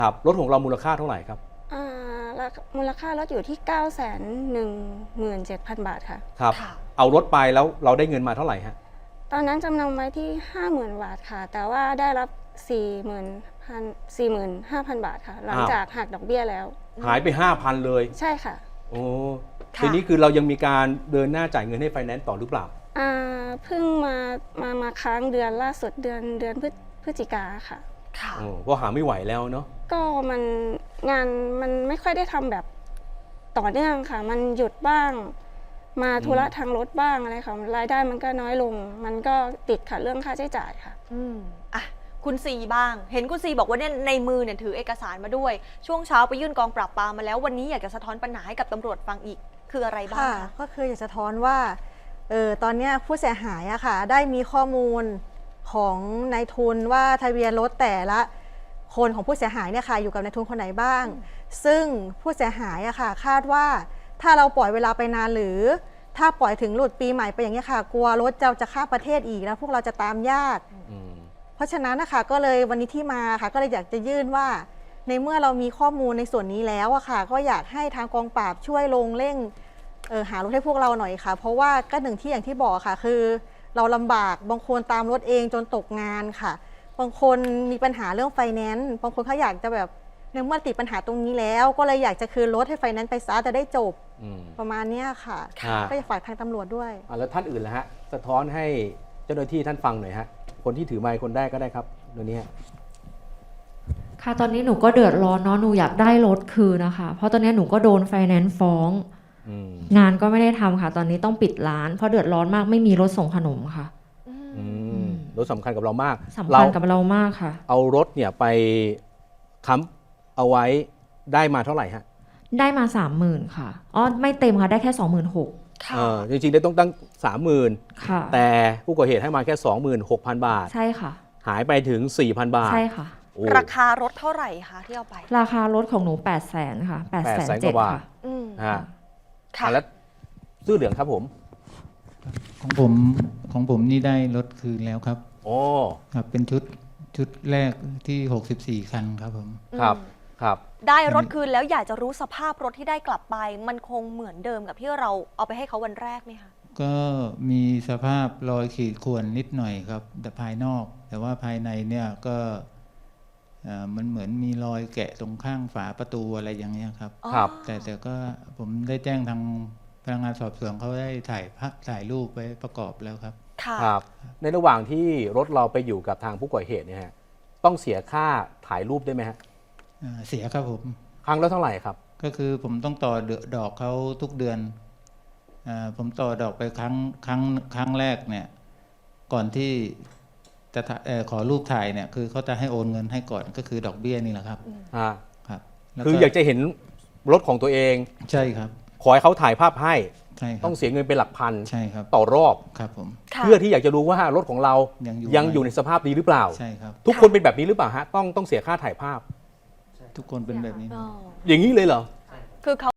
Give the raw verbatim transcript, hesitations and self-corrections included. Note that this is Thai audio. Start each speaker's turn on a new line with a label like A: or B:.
A: ครับรถของเรามูลค่าเท่าไหร่ครับ
B: อ่ามูลค่ารถอยู่ที่ เก้าแสนหนึ่งหมื่นเจ็ดพัน บาทค่ะ
A: ครับเอารถไปแล้วเราได้เงินมาเท่าไหร่ฮะ
B: ตอนนั้นจำนำไว้ที่ ห้าหมื่น บาทค่ะแต่ว่าได้รับ สี่หมื่นห้าพัน บาทค่ะหลังจากหักดอกเบี้ยแล้ว
A: หายไป ห้าพัน เลย
B: ใช่ค่ะ
A: โอ้ทีนี้คือเรายังมีการเดินหน้าจ่ายเงินให้ไฟแนนซ์ต่อหรือเปล่า
B: อ่าเพิ่งมามามาค้างเดือนล่าสุดเดือนเดือนพฤพฤศจิกาค่ะ
A: ค่ะก็หาไม่ไหวแล้วเนาะ
B: ก็มันงานมันไม่ค่อยได้ทำแบบต่อเนื่องค่ะมันหยุดบ้างมาธุระทางรถบ้างอะไรค่ะรายได้มันก็น้อยลงมันก็ติดค่ะเรื่องค่าใช้จ่ายค่ะ
C: อืมอ่ะคุณซีบ้างเห็นคุณซีบอกว่าเนี่ยในมือเนี่ยถือเอกสารมาด้วยช่วงเช้าไปยื่นกองปราบปรามมาแล้ววันนี้อยากจะสะท้อนปัญหาให้กับตำรวจฟังอีกคืออะไรบ้างคะ
D: ก็คืออยากสะท้อนว่าเออตอนนี้ผู้เสียหายอะค่ะได้มีข้อมูลของนายทุนว่าทะเบียนรถแต่ละคนของผู้เสียหายเนี่ยค่ะอยู่กับนายทุนคนไหนบ้างซึ่งผู้เสียหายอะค่ะคาดว่าถ้าเราปล่อยเวลาไปนานหรือถ้าปล่อยถึงหลุดปีใหม่ไปอย่างนี้ค่ะกลัวรถจะจะข้ามประเทศอีกแล้วพวกเราจะตามยากเพราะฉะนั้นนะคะก็เลยวันนี้ที่มาค่ะก็เลยอยากจะยื่นว่าในเมื่อเรามีข้อมูลในส่วนนี้แล้วอะค่ะก็อยากให้ทางกองปราบช่วยลงเร่งเออหารถให้พวกเราหน่อยค่ะเพราะว่าก็หนึ่งที่อย่างที่บอกค่ะคือเราลำบากบางคนตามรถเองจนตกงานค่ะบางคนมีปัญหาเรื่องไฟแนนซ์บางคนเขาอยากจะแบบในเมื่อติดปัญหาตรงนี้แล้วก็เลยอยากจะคืนรถให้ไฟแนนซ์ไปซะจะได้จบประมาณนี้ค่ะก็จะฝากทางตำรวจด้วย
A: แล้วท่านอื่นล่ะฮะสะท้อนให้เจ้าหน้าที่ท่านฟังหน่อยฮะคนที่ถือไมค์คนแรกก็ได้ครับเดี๋ยวนี้
E: ค่ะตอนนี้หนูก็เดือดร้อนเนาะหนูอยากได้รถคืนนะคะเพราะตอนนี้หนูก็โดนไฟแนนซ์ฟ้องงานก็ไม่ได้ทำค่ะตอนนี้ต้องปิดร้านเพราะเดือดร้อนมากไม่มีรถส่งขนมค่ะ
A: รถสำคัญกับเรามาก
E: สำคัญกับเรามากค่ะ
A: เอารถเนี่ยไปค้ำเอาไว้ได้มาเท่าไหร่ฮะ
E: ได้มาสามหมื่นค่ะอ๋อไม่เต็มค่ะได้แค่สองหมื่นหก
A: เออจริงๆได้ต้องตั้งสามหมื่นแต่ผู้ก่อเหตุให้มาแค่สองหมื่นหกพันบาท
E: ใช่ค่ะ
A: หายไปถึงสี่พันบาท
E: ใช่ค่ะ
C: ราคารถเท่าไหร่คะที่เอาไป
E: ราคารถของหนูแปดแสนค่ะแปดแสนเจ็ดค่ะ
A: อืมค่ะแล้วซื้อเหลืองครับผม
F: ของผมของผมนี่ได้รถคืนแล้วครับ
A: โอ้
F: ครับเป็นชุดชุดแรกที่หกสิบสี่คันครับผม
A: ครับครับ
C: ได้รถคืนแล้วอยากจะรู้สภาพรถที่ได้กลับไปมันคงเหมือนเดิมกับที่เราเอาไปให้เขาวันแรกไหมคะ
F: ก็มีสภาพรอยขีดข่วนนิดหน่อยครับแต่ภายนอกแต่ว่าภายในเนี่ยก็มันเหมือนมีรอยแกะตรงข้างฝาประตูอะไรอย่างเงี้ยครับ
A: ครับ
F: แต่แต่ก็ผมได้แจ้งทางพนักงานสอบสวนเขาได้ถ่ายภาพถ่ายรูปไว้ประกอบแล้วครับ
A: ครับในระหว่างที่รถเราไปอยู่กับทางผู้ก่อเหตุเนี่ยฮะต้องเสียค่าถ่ายรูปได้ไหมฮะ
F: เสียครับผม
A: ครั้งละเท่าไหร่ครับ
F: ก็คือผมต้องต่อดอกเขาทุกเดือนผมต่อดอกไปครั้งครั้งครั้งแรกเนี่ยก่อนที่จะขอรูปถ่ายเนี่ยคือเขาจะให้โอนเงินให้ก่อนก็คือดอกเบี้ยนี่แหละครับ
A: อ่าครับคืออยากจะเห็นรถของตัวเอง
F: ใช่ครับ
A: ขอให้เขาถ่ายภาพให้
F: ต้
A: องเสียเงินเป็นหลักพัน
F: ใช่ครับ
A: ต่อรอบ
F: ครับผม
A: เพื่อที่อยากจะรู้ว่ารถของเรายังอยู่ในสภาพดีหรือเปล่า
F: ใช่ครับ
A: ทุกคนเป็นแบบนี้หรือเปล่าฮะต้องต้องเสียค่าถ่ายภาพ
F: ทุกคนเป็นแบบนี้
A: อย่างนี้เลยเหรอ
C: คือเขา